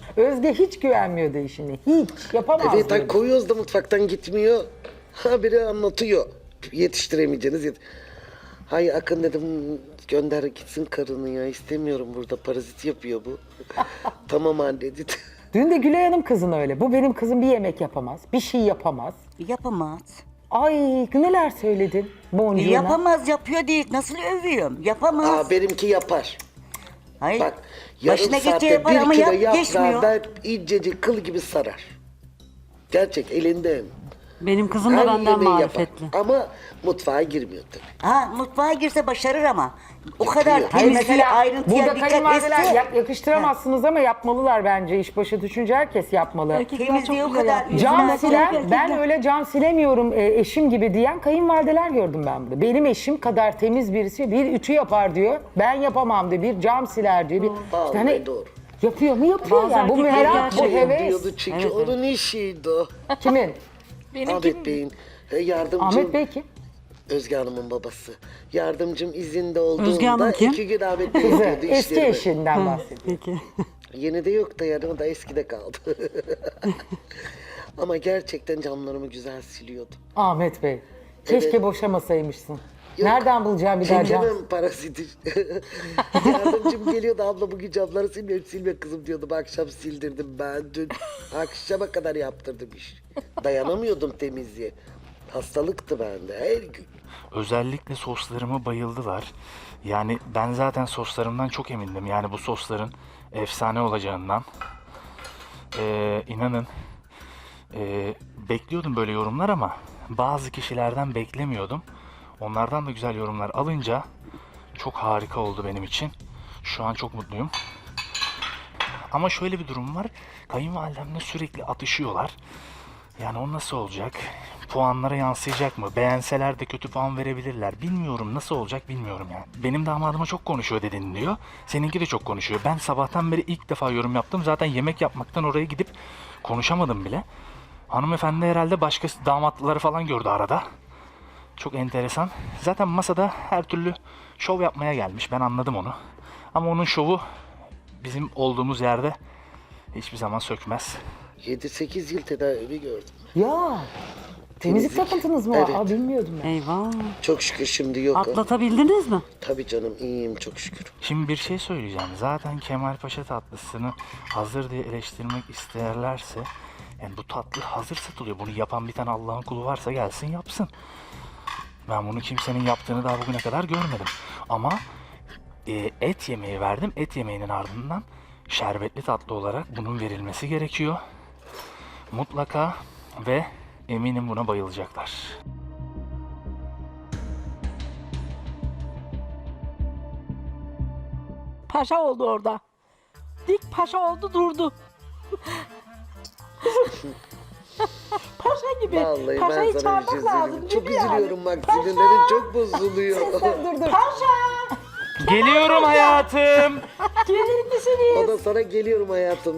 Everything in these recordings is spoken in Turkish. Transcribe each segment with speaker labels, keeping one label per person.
Speaker 1: Özge hiç güvenmiyordu işine. Hiç yapamaz.
Speaker 2: Evet,
Speaker 1: diyordu.
Speaker 2: koyuyoruz da mutfaktan gitmiyor. Ha biri anlatıyor. Yetiştiremeyeceğiniz Hay Akın dedim, gönder gitsin karını ya, istemiyorum burada, parazit yapıyor bu. Tamam anne dedi.
Speaker 1: Dün de Gülay Hanım kızın öyle. Bu benim kızım bir yemek yapamaz. Bir şey yapamaz.
Speaker 3: Yapamaz.
Speaker 1: Ay neler söyledin boncuğuna.
Speaker 3: Yapamaz, yapıyor değil. Nasıl övüyorum? Yapamaz.
Speaker 2: Aa, benimki yapar.
Speaker 3: Hayır.
Speaker 2: Bak yarım
Speaker 3: Başına geçe
Speaker 2: saatte
Speaker 3: yapar
Speaker 2: bir
Speaker 3: ama
Speaker 2: kilo yaprağı
Speaker 3: geçmiyor.
Speaker 2: ben incecik kıl gibi sarar. Gerçek elinde.
Speaker 4: Benim kızım da
Speaker 2: Her
Speaker 4: benden
Speaker 2: yemeği
Speaker 4: marifetli.
Speaker 2: yapar. Ama mutfağa girmiyor tabii.
Speaker 3: Ha, mutfağa girse başarır ama. O kadar
Speaker 2: Hayır,
Speaker 1: Hayır,
Speaker 3: temizliğe,
Speaker 1: mesela
Speaker 3: ayrıntıya
Speaker 1: burada
Speaker 3: dikkat
Speaker 1: kayınvalideler
Speaker 3: etse.
Speaker 1: yakıştıramazsınız ama yapmalılar bence. İşbaşı düşünce herkes yapmalı.
Speaker 4: Erkekler
Speaker 3: Temizliği
Speaker 4: çok
Speaker 3: o
Speaker 4: güzel
Speaker 3: kadar-
Speaker 4: yapıyor.
Speaker 1: Cam
Speaker 4: Bizim
Speaker 1: silen,
Speaker 4: erkekler-
Speaker 1: ben öyle cam silemiyorum eşim gibi diyen kayınvalideler gördüm ben burada. Benim eşim kadar temiz birisi bir ütü yapar diyor. Ben yapamam diyor. Bir cam siler diyor. Bir,
Speaker 2: Vallahi
Speaker 1: hani
Speaker 2: doğru.
Speaker 1: yapıyor mu yapıyor
Speaker 4: Bazı
Speaker 1: yani. Bu
Speaker 4: erkekler
Speaker 1: merak, bu
Speaker 4: gerçekten
Speaker 1: heves.
Speaker 2: Diyordu çünkü onun işiydi o.
Speaker 1: Kimin?
Speaker 2: Ahmet Bey'in yardımcım.
Speaker 1: Ahmet Bey kim?
Speaker 2: Özge Hanım'ın babası. Yardımcım izinde olduğunda
Speaker 4: Özge Hanım kim?
Speaker 2: 2 gün Ahmet Bey
Speaker 1: Kızı.
Speaker 2: yapıyordu
Speaker 1: Eski
Speaker 2: işlerimi.
Speaker 1: eşinden bahsediyor.
Speaker 4: Peki.
Speaker 2: Yeni de yok da yani, o da eskide kaldı. Ama gerçekten camlarımı güzel siliyordu.
Speaker 1: Ahmet Bey. Keşke
Speaker 2: Evet.
Speaker 1: boşamasaymışsın.
Speaker 2: Yok.
Speaker 1: Nereden bulacağım bir daha cam?
Speaker 2: Çekemem paraziti. Yardımcım geliyordu, abla bugün camları silmiyorum. Silme kızım diyordu. Akşam sildirdim ben dün. Akşama kadar yaptırdım iş. Dayanamıyordum temizliğe. Hastalıktı bende her gün.
Speaker 5: Özellikle soslarıma bayıldılar. Yani ben zaten soslarımdan çok emindim. Yani bu sosların efsane olacağından. İnanın bekliyordum böyle yorumlar ama bazı kişilerden beklemiyordum. Onlardan da güzel yorumlar alınca çok harika oldu benim için. Şu an çok mutluyum. Ama şöyle bir durum var. Kayınvalidemle sürekli atışıyorlar. Yani o nasıl olacak? Puanlara yansıyacak mı? Beğenseler de kötü puan verebilirler. Bilmiyorum, nasıl olacak bilmiyorum yani. Benim damadıma çok konuşuyor dedin diyor. Seninki de çok konuşuyor. Ben sabahtan beri ilk defa yorum yaptım. Zaten yemek yapmaktan oraya gidip konuşamadım bile. Hanımefendi herhalde başka damatlıları falan gördü arada. Çok enteresan. Zaten masada her türlü şov yapmaya gelmiş. Ben anladım onu. Ama onun şovu bizim olduğumuz yerde hiçbir zaman sökmez.
Speaker 2: 7-8 yıl tedavi gördüm.
Speaker 1: Ya. Temizlik
Speaker 2: Temizlik.
Speaker 1: takıntınız mı?
Speaker 2: Evet.
Speaker 1: Aa, bilmiyordum ben.
Speaker 4: Eyvah.
Speaker 2: Çok şükür şimdi yok. o.
Speaker 4: Atlatabildiniz mi?
Speaker 2: Tabii canım, iyiyim çok şükür.
Speaker 5: Şimdi bir şey söyleyeceğim. Zaten Kemal Paşa tatlısını hazır diye eleştirmek isterlerse, yani bu tatlı hazır satılıyor. Bunu yapan bir tane Allah'ın kulu varsa gelsin yapsın. Ben bunu kimsenin yaptığını daha bugüne kadar görmedim. Ama et yemeği verdim. Et yemeğinin ardından şerbetli tatlı olarak bunun verilmesi gerekiyor. Mutlaka ve eminim buna bayılacaklar.
Speaker 6: Paşa oldu orada. Dik paşa oldu durdu. Paşa gibi.
Speaker 2: Vallahi ben
Speaker 6: Paşayı
Speaker 2: sana bir
Speaker 6: çağırmak
Speaker 2: şey
Speaker 6: lazım.
Speaker 2: söyleyeyim.
Speaker 6: Değil
Speaker 2: Çok
Speaker 6: mi yani?
Speaker 2: üzülüyorum bak,
Speaker 6: Paşa!
Speaker 2: sinirlerim çok bozuluyor.
Speaker 6: Paşa!
Speaker 5: Geliyorum hayatım.
Speaker 6: Gelir misiniz?
Speaker 2: O da sana geliyorum hayatım.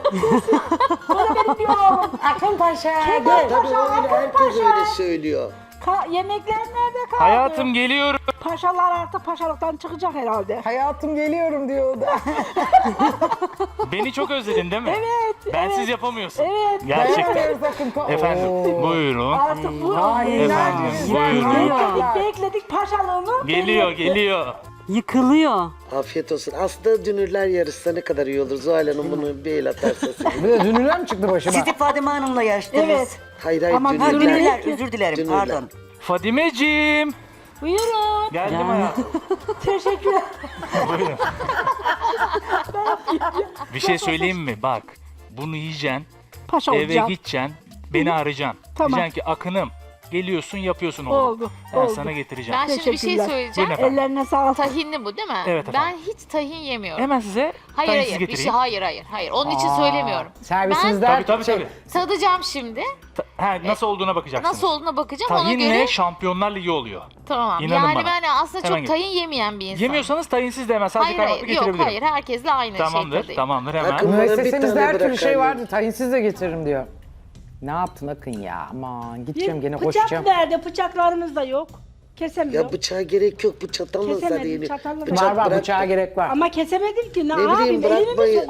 Speaker 1: Akın Paşa.
Speaker 6: Kemal
Speaker 1: Gel.
Speaker 2: Tabii
Speaker 6: Paşa,
Speaker 2: öyle,
Speaker 6: Akın
Speaker 2: herkes
Speaker 6: Paşa.
Speaker 2: öyle söylüyor.
Speaker 6: Yemekler nerede kaldı?
Speaker 5: Hayatım geliyorum.
Speaker 6: Paşalar artık paşalıktan çıkacak herhalde.
Speaker 1: Hayatım geliyorum diyor o da.
Speaker 5: Beni çok özledin değil mi?
Speaker 6: Evet.
Speaker 5: Bensiz yapamıyorsun.
Speaker 6: Evet.
Speaker 5: Gerçekten.
Speaker 1: Dayanamıyoruz Akın Paşa.
Speaker 5: Efendim buyurun.
Speaker 6: Artık bu
Speaker 1: Ay,
Speaker 5: Efendim,
Speaker 1: güzel,
Speaker 5: buyurun.
Speaker 1: güzel.
Speaker 6: bekledik paşalığını.
Speaker 5: Geliyor geliyor.
Speaker 4: Yıkılıyor.
Speaker 2: Afiyet olsun. Aslında dünürler yarışsa ne kadar iyi olur. Zuhal Hanım bunu bir el atarsa sevinirim.
Speaker 1: Bir de dünürler mi çıktı başıma?
Speaker 3: Sizi Fadime Hanım'la yarıştınız.
Speaker 6: Evet.
Speaker 2: Hayır hayır,
Speaker 6: Ama
Speaker 2: dünürler.
Speaker 3: Dünürler, özür dilerim,
Speaker 2: Dünürler.
Speaker 3: pardon.
Speaker 5: Fadimeciğim.
Speaker 6: Buyurun.
Speaker 5: Geldim
Speaker 4: Yani.
Speaker 5: hayatım.
Speaker 6: Teşekkürler.
Speaker 5: Buyurun. Bir şey söyleyeyim mi? Bak bunu yiyeceksin.
Speaker 6: Paşa
Speaker 5: Eve
Speaker 6: olacağım.
Speaker 5: gideceksin. Beni arayacaksın.
Speaker 6: Tamam.
Speaker 5: Diyeceksin ki Akın'ım geliyorsun yapıyorsun oğlum.
Speaker 6: Oldu,
Speaker 5: Ben
Speaker 6: oldu.
Speaker 5: sana getireceğim.
Speaker 7: Ben şimdi bir şey
Speaker 6: Teşekkürler.
Speaker 7: söyleyeceğim.
Speaker 5: Buyurun efendim.
Speaker 6: Ellerine sağlık.
Speaker 7: Tahinli bu değil mi?
Speaker 5: Evet efendim.
Speaker 7: Ben hiç tahin yemiyorum.
Speaker 5: Hemen size
Speaker 7: Hayır
Speaker 5: tahinsiz
Speaker 7: hayır. Bir
Speaker 5: getireyim.
Speaker 7: şey hayır. Onun için söylemiyorum.
Speaker 1: Servisimizden
Speaker 5: Tabii tabii.
Speaker 7: Tadacağım şimdi.
Speaker 5: Nasıl olduğuna bakacaksınız.
Speaker 7: Nasıl olduğuna bakacağım ona
Speaker 5: Tahinle
Speaker 7: göre.
Speaker 5: Şampiyonlar Ligi oluyor.
Speaker 7: Tamam.
Speaker 5: İnanın
Speaker 7: yani
Speaker 5: bana.
Speaker 7: ben aslında
Speaker 5: Hemen
Speaker 7: çok
Speaker 5: gel.
Speaker 7: tahin yemeyen bir insanım.
Speaker 5: Yemiyorsanız tahinsiz de hemen sadece
Speaker 7: Hayır
Speaker 5: kaymaklı
Speaker 7: hayır. Yok
Speaker 5: getirebilirim.
Speaker 7: hayır. Herkesle aynı
Speaker 5: Tamamdır,
Speaker 7: şey tadayım.
Speaker 5: tamamdır hemen.
Speaker 2: Akın- Bana bir
Speaker 1: Müessesemizde
Speaker 2: tane
Speaker 1: her türlü
Speaker 2: bırak
Speaker 1: şey
Speaker 2: anne.
Speaker 1: vardı. Tahinsiz de getiririm diyor. Ne yaptın Akın ya? Aman gideceğim gene
Speaker 6: Bıçak
Speaker 1: koşacağım.
Speaker 6: nerede? Bıçaklarımız da yok. Kesemiyor.
Speaker 2: Ya bıçağa gerek yok. Bu çatalla
Speaker 6: Kesemedim,
Speaker 2: sarayını.
Speaker 6: çatalla
Speaker 1: Var var
Speaker 2: bırak-
Speaker 1: bıçağa gerek var.
Speaker 6: Ama kesemedim ki. Ne
Speaker 2: bileyim,
Speaker 6: yapayım? Elimi mi
Speaker 2: bırakmayı-
Speaker 6: sokayım?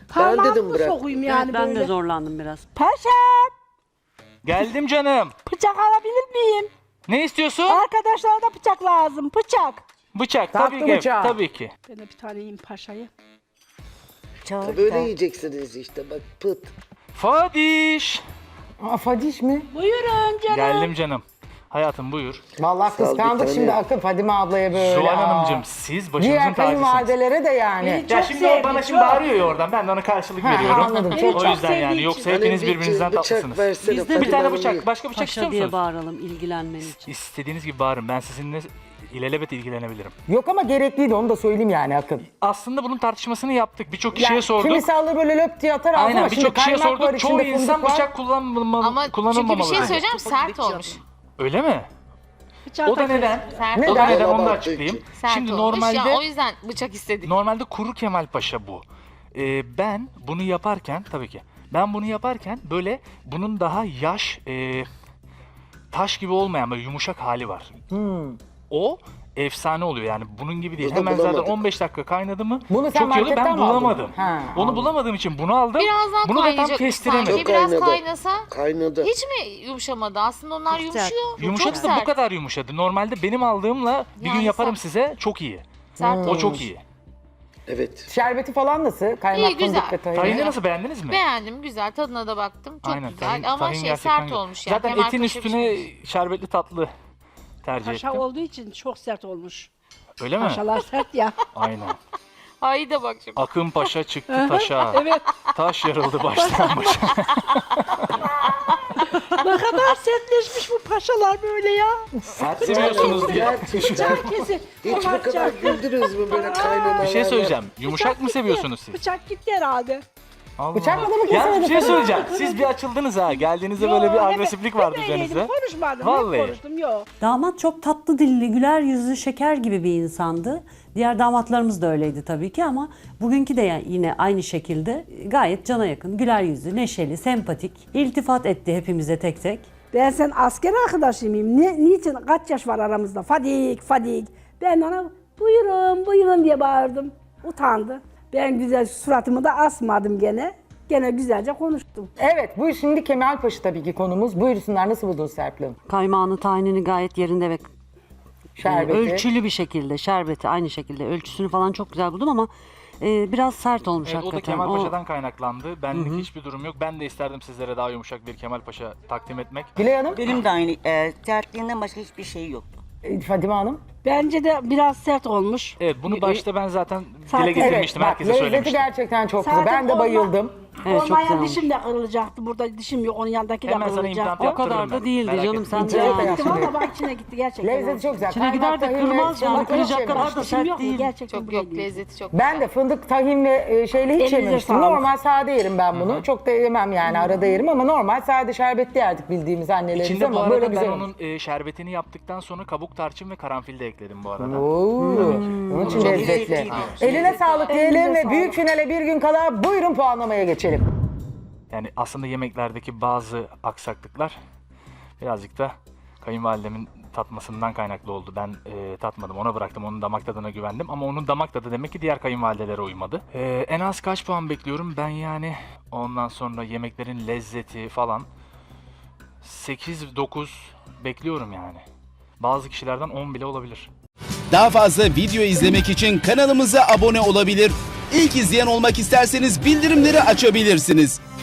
Speaker 6: Parmağımı
Speaker 2: dedim
Speaker 6: mı
Speaker 2: bırak.
Speaker 6: sokayım yani
Speaker 4: ben
Speaker 6: böyle?
Speaker 4: de zorlandım biraz.
Speaker 6: Paşam,
Speaker 5: Geldim canım.
Speaker 6: bıçak alabilir miyim?
Speaker 5: Ne istiyorsun?
Speaker 6: Arkadaşlara da bıçak lazım, bıçak.
Speaker 5: Bıçak
Speaker 1: Tatlı
Speaker 5: tabii ki.
Speaker 1: bıçağı.
Speaker 5: Tabii ki.
Speaker 6: Ben de bir tane yiyeyim paşayı.
Speaker 3: Çağır
Speaker 2: Böyle
Speaker 3: da.
Speaker 2: yiyeceksiniz işte bak pıt.
Speaker 5: Fadiş.
Speaker 1: Aa, Fadiş mi?
Speaker 6: Buyurun canım.
Speaker 5: Geldim canım. Hayatım buyur.
Speaker 1: Vallahi
Speaker 2: Sağ ol, bir
Speaker 1: kıskandık
Speaker 2: tane.
Speaker 1: şimdi Akın Fadime ablaya böyle.
Speaker 5: Zuhal
Speaker 1: Aa.
Speaker 5: Hanımcığım siz başımızın
Speaker 1: Diğer
Speaker 5: tacısınız.
Speaker 1: kayınvalidelere de yani.
Speaker 6: Beni
Speaker 5: Ya
Speaker 6: çok
Speaker 5: şimdi o
Speaker 6: sevdi,
Speaker 5: bana şimdi
Speaker 6: çok.
Speaker 5: bağırıyor ya oradan. Ben de ona karşılık
Speaker 1: Ha,
Speaker 5: veriyorum.
Speaker 1: anladım,
Speaker 5: O
Speaker 1: çok
Speaker 5: yüzden
Speaker 6: sevdiği
Speaker 5: yani.
Speaker 6: için.
Speaker 5: Yoksa
Speaker 2: Hani
Speaker 5: hepiniz
Speaker 2: bir
Speaker 5: birbirinizden
Speaker 2: bıçak
Speaker 5: tatlısınız.
Speaker 2: versene
Speaker 4: Biz de
Speaker 5: Bir tane
Speaker 2: Fadime
Speaker 5: bıçak.
Speaker 2: Hanım.
Speaker 5: Başka bıçak istiyor
Speaker 4: Paşa diye
Speaker 5: musunuz?
Speaker 4: bağıralım ilgilenmen için.
Speaker 5: İstediğiniz gibi bağırın. Ben sizinle ilelebet ilgilenebilirim.
Speaker 1: Yok ama gerekliydi onu da söyleyeyim yani Akın.
Speaker 5: Aslında bunun tartışmasını yaptık. Birçok kişiye
Speaker 1: Yani
Speaker 5: sorduk.
Speaker 1: kimisi alır böyle löp diye atar ağzına
Speaker 5: Aynen
Speaker 1: ama şimdi
Speaker 5: birçok kişiye
Speaker 1: kaymak var
Speaker 5: sorduk. Çoğu
Speaker 1: içinde
Speaker 5: insan
Speaker 1: fındık var.
Speaker 5: bıçak
Speaker 7: Ama çünkü bir
Speaker 5: kullanılmamalı.
Speaker 7: şey söyleyeceğim, sert olmuş.
Speaker 5: Öyle mi?
Speaker 6: Bıçak
Speaker 5: O da
Speaker 6: takıyorsun.
Speaker 5: neden?
Speaker 7: Sert
Speaker 5: O da
Speaker 7: olmuş.
Speaker 5: neden onu da
Speaker 2: Abarttığı
Speaker 5: açıklayayım.
Speaker 2: için.
Speaker 7: Sert
Speaker 5: Şimdi
Speaker 7: olmuş
Speaker 5: normalde
Speaker 7: ya, o yüzden bıçak istedik.
Speaker 5: normalde kuru Kemal Paşa bu. Ben bunu yaparken tabii ki ben bunu yaparken böyle bunun daha yaş taş gibi olmayan böyle yumuşak hali var. O efsane oluyor yani bunun gibi değil.
Speaker 2: Burada
Speaker 5: Hemen zaten
Speaker 2: bulamadık.
Speaker 5: 15 dakika kaynadı mı
Speaker 1: Bunu sen
Speaker 5: çok iyi oluyor.
Speaker 1: marketten
Speaker 5: Ben
Speaker 1: mi aldın?
Speaker 5: bulamadım.
Speaker 1: Ha,
Speaker 5: Onu
Speaker 1: anladım.
Speaker 5: bulamadığım için bunu aldım.
Speaker 7: Biraz daha
Speaker 5: Bunu da tam
Speaker 7: kaynayacak
Speaker 5: kestiremedim.
Speaker 7: sanki. Biraz
Speaker 2: Kaynadı.
Speaker 7: kaynasa
Speaker 2: Kaynadı.
Speaker 7: hiç mi yumuşamadı? Aslında onlar
Speaker 4: Çok sert.
Speaker 7: yumuşuyor.
Speaker 5: Yumuşadı
Speaker 7: Çok
Speaker 5: da bu
Speaker 7: sert.
Speaker 5: kadar yumuşadı. Normalde benim aldığımla bir gün
Speaker 7: Yani
Speaker 5: yaparım
Speaker 7: sert.
Speaker 5: size çok iyi.
Speaker 7: Sert
Speaker 5: O
Speaker 7: olmuş.
Speaker 5: çok iyi.
Speaker 2: Evet.
Speaker 1: Şerbeti falan nasıl? Kaymak
Speaker 7: İyi, güzel.
Speaker 1: fındık ve tahin.
Speaker 5: Tahini nasıl beğendiniz mi?
Speaker 7: Beğendim, güzel. Tadına da baktım. Çok
Speaker 5: Aynen,
Speaker 7: güzel
Speaker 5: tahin-
Speaker 7: ama
Speaker 5: tahin
Speaker 7: şey
Speaker 5: gerçekten
Speaker 7: sert
Speaker 5: güzel.
Speaker 7: olmuş yani.
Speaker 5: Zaten
Speaker 7: Kemal
Speaker 5: etin
Speaker 7: Paşa
Speaker 5: üstüne
Speaker 7: pişirmiş.
Speaker 5: şerbetli tatlı tercih
Speaker 6: Paşa
Speaker 5: ettim.
Speaker 6: olduğu için çok sert olmuş.
Speaker 5: Öyle mi?
Speaker 6: Paşalar sert ya.
Speaker 5: Aynen.
Speaker 7: Ay da bak şimdi.
Speaker 5: Akın Paşa çıktı taşa.
Speaker 6: Evet.
Speaker 5: Taş yarıldı baştan başa.
Speaker 6: Ne kadar sertleşmiş bu paşalar böyle ya.
Speaker 5: Sert seviyorsunuz diye.
Speaker 2: Gerçekten.
Speaker 6: Kesin.
Speaker 2: Hiç bu kadar güldünüz mü böyle kaynanalarla?
Speaker 5: Bir şey söyleyeceğim. Yumuşak mı seviyorsunuz siz?
Speaker 6: Bıçak gitti herhalde.
Speaker 5: Allah.
Speaker 1: Bıçakla da mı
Speaker 5: Ya bir
Speaker 1: kesemedin?
Speaker 5: şey söyleyeceğim. Siz bir açıldınız ha. Geldiğinizde böyle bir
Speaker 6: Yo,
Speaker 5: agresiflik vardı
Speaker 6: hep öyleydim,
Speaker 5: üzerinizde.
Speaker 6: konuşmadım.
Speaker 5: Vallahi.
Speaker 6: Hep konuştum yok.
Speaker 4: Damat çok tatlı dilli, güler yüzlü, şeker gibi bir insandı. Diğer damatlarımız da öyleydi tabii ki ama bugünkü de yine aynı şekilde gayet cana yakın, güler yüzlü, neşeli, sempatik. İltifat etti hepimize tek tek.
Speaker 6: Ben sen asker arkadaşıyım. Niçin? Kaç yaş var aramızda? Fadik, Fadik. Ben ona buyurun, buyurun diye bağırdım. Utandı. Ben güzel suratımı da asmadım gene. Gene güzelce konuştum.
Speaker 1: Evet bu şimdi Kemalpaşa tabii ki konumuz. Buyursunlar, nasıl buldun Serpil Hanım?
Speaker 4: Kaymağını, tahinini gayet yerinde ve
Speaker 1: Şerbeti.
Speaker 4: ölçülü bir şekilde, şerbeti aynı şekilde ölçüsünü falan çok güzel buldum ama biraz sert olmuş
Speaker 5: Evet, o da
Speaker 4: hakikaten.
Speaker 5: Kemal Paşa'dan kaynaklandı. Benlik hiçbir durum yok. Ben de isterdim sizlere daha yumuşak bir Kemal Paşa takdim etmek.
Speaker 1: Gülay Hanım,
Speaker 3: Benim de aynı. Sertliğinden başka hiçbir şey yoktu.
Speaker 1: Fadime Hanım.
Speaker 6: Bence de biraz sert olmuş.
Speaker 5: Evet bunu başta ben zaten
Speaker 6: Zaten-
Speaker 5: dile getirmiştim.
Speaker 1: bak,
Speaker 5: Herkese
Speaker 1: lezzeti
Speaker 5: söylemiştim.
Speaker 1: gerçekten çok güzel.
Speaker 6: Zaten
Speaker 1: Ben de
Speaker 6: olma-
Speaker 1: bayıldım.
Speaker 4: Evet, çok
Speaker 6: Olmayan
Speaker 4: güzel olmuş.
Speaker 6: dişim de kırılacaktı. Burada dişim yok. Onun yanındaki de
Speaker 5: Hemen sana implant
Speaker 6: kırılacaktı.
Speaker 4: O
Speaker 5: yaptırırım
Speaker 4: kadar da
Speaker 5: ben.
Speaker 4: değildi
Speaker 5: Merak
Speaker 4: canım
Speaker 5: etme.
Speaker 4: sen de
Speaker 1: İçine
Speaker 4: yani.
Speaker 1: de
Speaker 6: Gittim ama bak içine gitti gerçekten.
Speaker 1: Lezzeti çok güzel.
Speaker 4: İçine gider de
Speaker 1: Kaymak,
Speaker 4: kırmaz
Speaker 1: tahin ve
Speaker 4: yani, kıracak
Speaker 1: fındık
Speaker 4: kadar da
Speaker 1: yemiş.
Speaker 6: Dişim
Speaker 4: sert
Speaker 6: yok mu?
Speaker 4: değil.
Speaker 6: Gerçekten
Speaker 7: Çok
Speaker 6: böyle
Speaker 7: yok,
Speaker 6: değil.
Speaker 7: lezzeti çok
Speaker 1: Ben de fındık, tahin ve şeyle hiç
Speaker 6: Elinize
Speaker 1: yememiştim.
Speaker 6: sağlık.
Speaker 1: Normal sade yerim ben bunu. Çok da yemem yani, arada yerim ama normal sade şerbetli yerdik bildiğimiz annelerimiz
Speaker 5: İçinde bu
Speaker 1: ama böyle
Speaker 5: arada ben
Speaker 1: güzel.
Speaker 5: onun şerbetini yaptıktan sonra kabuk tarçın ve karanfil de ekledim bu arada.
Speaker 1: Onun için
Speaker 3: Çok
Speaker 1: lezzetli.
Speaker 3: lezzetliydi.
Speaker 1: Eline sağlık diyelim
Speaker 6: Elinize
Speaker 1: ve
Speaker 6: sağlık.
Speaker 1: büyük finale bir gün kala buyurun puanlamaya geçelim.
Speaker 5: Yani aslında yemeklerdeki bazı aksaklıklar birazcık da kayınvalidemin tatmasından kaynaklı oldu. Ben tatmadım, ona bıraktım, onun damak tadına güvendim ama onun damak tadı demek ki diğer kayınvalidelere uymadı. En az kaç puan bekliyorum ben yani, ondan sonra yemeklerin lezzeti falan 8-9 bekliyorum yani. Bazı kişilerden 10 bile olabilir.
Speaker 8: Daha fazla video izlemek için kanalımıza abone olabilir. İlk izleyen olmak isterseniz bildirimleri açabilirsiniz.